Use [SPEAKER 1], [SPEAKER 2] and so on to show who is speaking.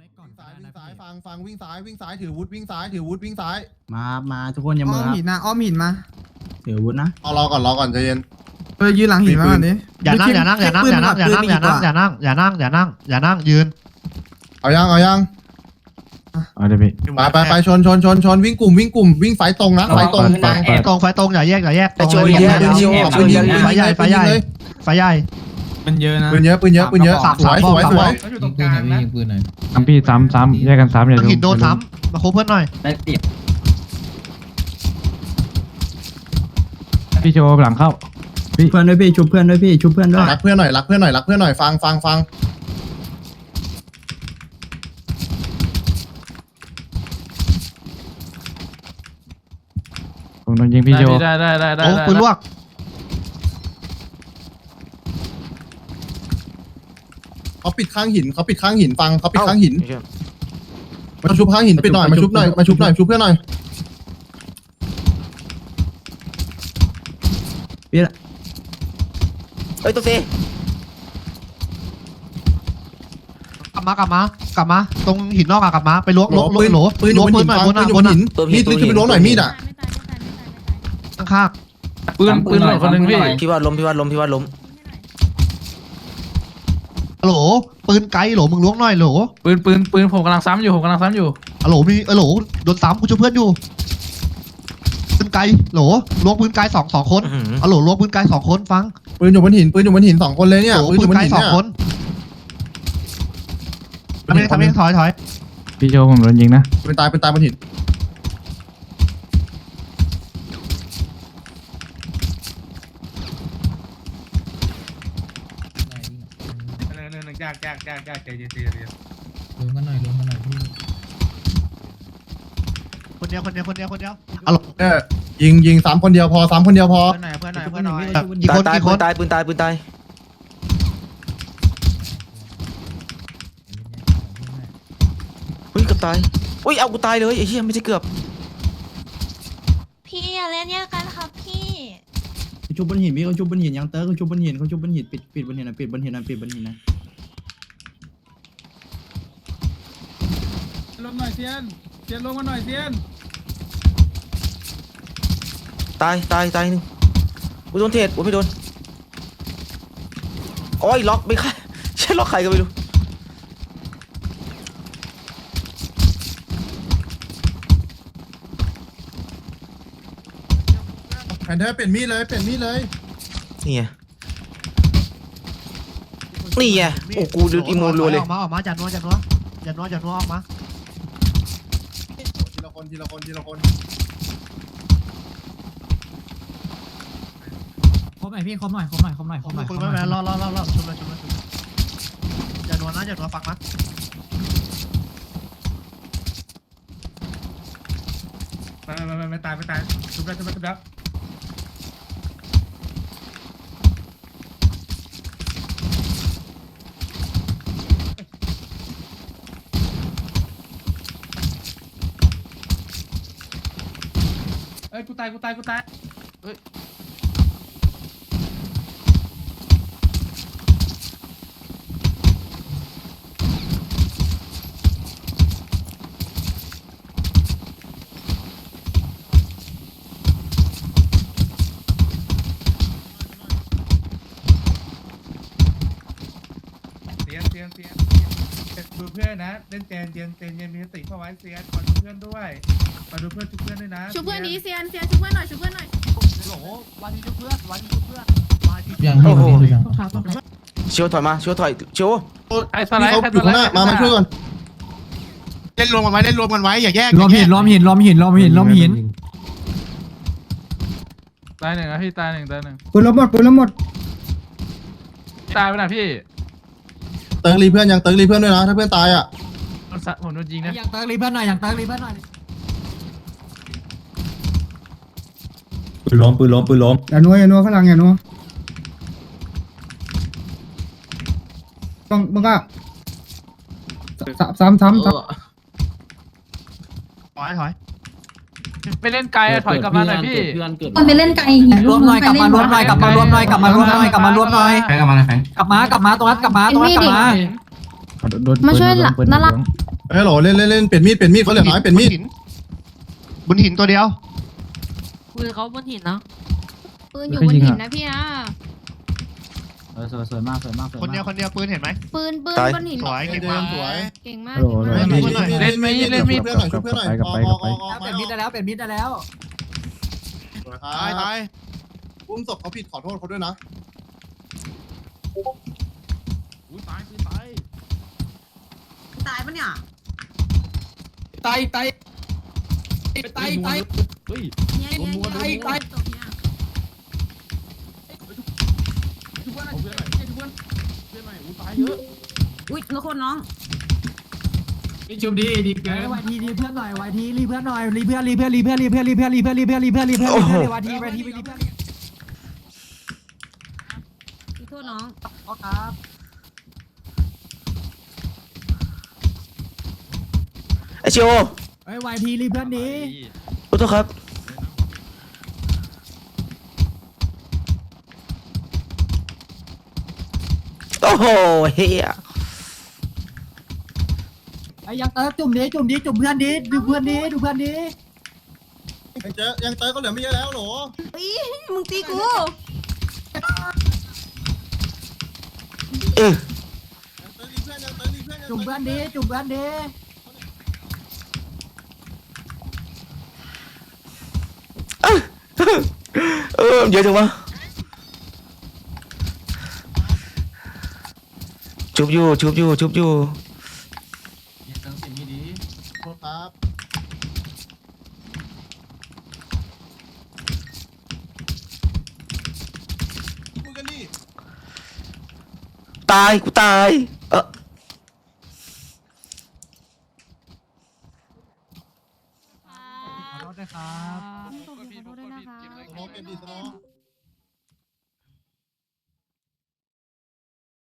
[SPEAKER 1] ซ้ายฟังวิ่งซ้ายถือวุธวิ่งซ้ายวิ่งซ้าย
[SPEAKER 2] มาทุกคนอย่า
[SPEAKER 3] อ้
[SPEAKER 2] มื
[SPEAKER 3] อ
[SPEAKER 2] อ
[SPEAKER 3] ม
[SPEAKER 2] ครับ
[SPEAKER 3] หินนะอ้อมหินมา
[SPEAKER 2] ถืออาวุธนะ
[SPEAKER 1] รอก่อนใจเย็น
[SPEAKER 3] ยืนหลังหินมาก่อนดิ
[SPEAKER 4] อย่านั่งยืน
[SPEAKER 1] เอายัง
[SPEAKER 5] เอาเดี๋ยวพี่
[SPEAKER 1] ไปชนวิ่งกลุ่มวิ่งไฟตรงนะไฟตรง
[SPEAKER 4] ไฟตรงอย่าแยก
[SPEAKER 1] ปืนยิงไฟใหญ่
[SPEAKER 4] ไฟใหญ่
[SPEAKER 3] มันเยอะนะ
[SPEAKER 1] ปืนเยอะสวย
[SPEAKER 6] เขาอยู่ตรงกลางนะ
[SPEAKER 5] ซ้ำพี่ซ้ำแยกกันซ้ำอย่า
[SPEAKER 4] หินโดนซ้ำมาโคเพื่อนหน่อย
[SPEAKER 2] ได้เปรียบ
[SPEAKER 5] พี่โชว์หลังเข้า
[SPEAKER 2] เพื่อนด้วยพี่ชุบเพื่อนด้วยพี่ชุบเพื่อนด้วย
[SPEAKER 1] รักเพื่อนหน่อยฟัง
[SPEAKER 5] ผมโดนยิงพี่โชว์
[SPEAKER 4] โอ้ปืนลวก
[SPEAKER 1] เขาปิดข้างหินฟังเขาปิดข้างหินมาชุบข้างหินปิดหน่อยมาชุบเพื่อนหน่อย
[SPEAKER 2] พี่ละ
[SPEAKER 7] เฮ้ยตัวซี
[SPEAKER 4] กลับมาตรงหินนอกกลับมาไปล้วง
[SPEAKER 1] ปืน
[SPEAKER 4] ปืน
[SPEAKER 1] อยู่บนหิน
[SPEAKER 4] หน่อย
[SPEAKER 1] ปืนอยู่บนหินมีดจะไปล้วงหน่อยมีดอ่ะ
[SPEAKER 4] ข้าง
[SPEAKER 5] ปืนหล่นคนหนึ่งพี่
[SPEAKER 7] พี่ว่าล้ม
[SPEAKER 4] โหลปืนไกลโหลมึงล้วงหน่อยโหล
[SPEAKER 5] ปืนผมกำลังซ้ำอยู่
[SPEAKER 4] โหลมีโหลโดนซ้ำกูช่วยเพื่อนอยู่ปืนไกลโหลล้วงปืนไกลสองคนโหลล้วงปืนไกล2 คนฟัง
[SPEAKER 1] ปืนอยู่บนหิน2 คนเลยเนี่ย
[SPEAKER 4] โหลปืนไกล2 คนทำเองถอย
[SPEAKER 5] พี่โชว์ผมโดนยิงนะ
[SPEAKER 1] ปืนตายบนหิน
[SPEAKER 6] ยากใจเย็น
[SPEAKER 3] ลงกันหน่อยพี่
[SPEAKER 4] คนเดียว
[SPEAKER 1] ยิง3 คนเดียวพอ3 คนเดียวพอ
[SPEAKER 3] เพื่อนหน่อย
[SPEAKER 4] กี่คน
[SPEAKER 7] ตายปืนตายเฮ้ยเกือบตายอุ้ยเอากูตายเลยไอ้เหี้ยไม่ใช่เกือบ
[SPEAKER 8] พี่อย่าเล่นแยกกันครับพี่
[SPEAKER 2] ชุบบนหินพี่เขาชุบบนหินยังเตอร์เขาชุบบนหินปิดบนหินนะปิดบนหินนะ
[SPEAKER 6] ลงหน่อยเซียนลงมาหน่อยเซียน
[SPEAKER 7] ตายหนึ่งกูโดนเทรดกูไม่โดนโอ้ยล็อกไม่ใช่ใช่ล็อกใครก็ไม่รู้
[SPEAKER 1] แผ่นเธอเปลี่ยนมีดเลย
[SPEAKER 7] นี่ไงโอ้กูดูอีโมรัวเลย
[SPEAKER 4] ออกมาจัดนัวออกมา
[SPEAKER 1] ทีละคน
[SPEAKER 3] ครบหน่อยพี่ครบหน่อย
[SPEAKER 4] คุณไม่เป็นรอชุบเลยอย่านัวฟังนะ
[SPEAKER 6] ไม่ตายชุบแล้วเอ้ยกูตายเฮ้ยเซียนดูเพื่อนนะเล่นเจนมีสติเข้าไว้เซียนขอดูเพื่อนด้วยชุบเพื่อนด้วยนะ
[SPEAKER 8] ชุบเพื่อนนี้เซียนชุบเพื่อนหน่อย
[SPEAKER 4] โหลวันนี้ชุบเพื่อน
[SPEAKER 3] ยัง
[SPEAKER 7] โอ้โห
[SPEAKER 3] พี่
[SPEAKER 7] เชียวถอยมาเชียวถอยเชียว
[SPEAKER 5] ไอ้สไลด์
[SPEAKER 1] เขาอยู่ข้างหน้ามาช่วยก่อน
[SPEAKER 4] เล่นรวมกันไว้อย่าแยก
[SPEAKER 3] ล้อมหิน
[SPEAKER 5] ตายหนึ่งนะพี่ตายหนึ่ง
[SPEAKER 3] ปืนล้มหมด
[SPEAKER 5] ตายไปนะพี่
[SPEAKER 1] เติร์กรีเพื่อนด้วยนะถ้าเพื่อนตายอ่ะ
[SPEAKER 5] ผมโดนยิงนะ
[SPEAKER 3] อย่างเติร์กรีเพื่อนหน่อย
[SPEAKER 2] ปืนล้ม
[SPEAKER 3] อย่านัวข้างหลังอย่านัวต้องมึงก็ซ้ำ
[SPEAKER 4] ถอย
[SPEAKER 5] ไปเล่นไกลถอยกลับมาหน่อยพี่
[SPEAKER 8] มันไปเล่นไกลหิน
[SPEAKER 3] รวมหน่อยกลับมารวมหน่อยกลับมารวมหน่อยกลับมาตรงนั้นกลับมา
[SPEAKER 8] มาช่วยน่ารัก
[SPEAKER 1] เฮ้ยโหลเล่นเปลี่ยนมีดเขาเหลือน้อยเปลี่ยนมีด
[SPEAKER 4] บนหินตัวเดียว
[SPEAKER 8] ปืนเขาบนหินนะปืน
[SPEAKER 2] อ
[SPEAKER 8] อยู่
[SPEAKER 2] ยู่
[SPEAKER 8] บบ น
[SPEAKER 2] นหิ
[SPEAKER 8] หิ
[SPEAKER 2] น
[SPEAKER 8] น
[SPEAKER 2] นะ
[SPEAKER 8] นะพี่นะ
[SPEAKER 2] สวยมาก
[SPEAKER 4] คนเดียวปืนเห็นไหม
[SPEAKER 8] ปืนบนหิน
[SPEAKER 4] สวยเก่ง
[SPEAKER 1] เดิ
[SPEAKER 4] มาก
[SPEAKER 1] นสวย
[SPEAKER 8] เก่งมาก
[SPEAKER 2] โหล
[SPEAKER 5] เล่นมีดเล่นมีด
[SPEAKER 1] เพื่อนหน่อยช่วยเพื่อนหน่อยออก
[SPEAKER 3] เปลี่ยนมิดได้แล้วเปลี่ยนมิดได้แล้ว
[SPEAKER 1] ตายอุ้มศพเขาผิดขอโทษเขาด้วยนะ
[SPEAKER 8] ตายปะเนี่ย
[SPEAKER 3] ตาย
[SPEAKER 8] เนี่ยอุ้ยแล้วคนน้อง
[SPEAKER 3] ชุบดีเกินวายทีรีเพื่อนหน่อยวายทีรีเพื่อนหน่อยรีเพื่อนวายทีวายทีไปรีเพื่อน
[SPEAKER 8] ขอโทษน้อง
[SPEAKER 3] ครับ
[SPEAKER 7] ไอชิโอ
[SPEAKER 3] ไอ้วายทีรีเพื่อนดี
[SPEAKER 7] ขอโทษครับโอ้โหเฮีย
[SPEAKER 3] ไอ้ยังจุ่มเพื่อนดีดูเพื่อนดี
[SPEAKER 1] ยังเตยก็เหลือไม่เยอะแล้วโหล
[SPEAKER 8] มึงตีกู
[SPEAKER 7] เออ
[SPEAKER 3] จุ่มเพื่อนดี
[SPEAKER 7] เยอะจังวะชุบอยู่
[SPEAKER 1] โทษครับคุยกันดิ
[SPEAKER 7] ตายกูตาย
[SPEAKER 3] ขอโทษด้วยครับ
[SPEAKER 8] ขอโทษด้วยนะคะ
[SPEAKER 1] สโลว์เปลี่ยนดิสโลว์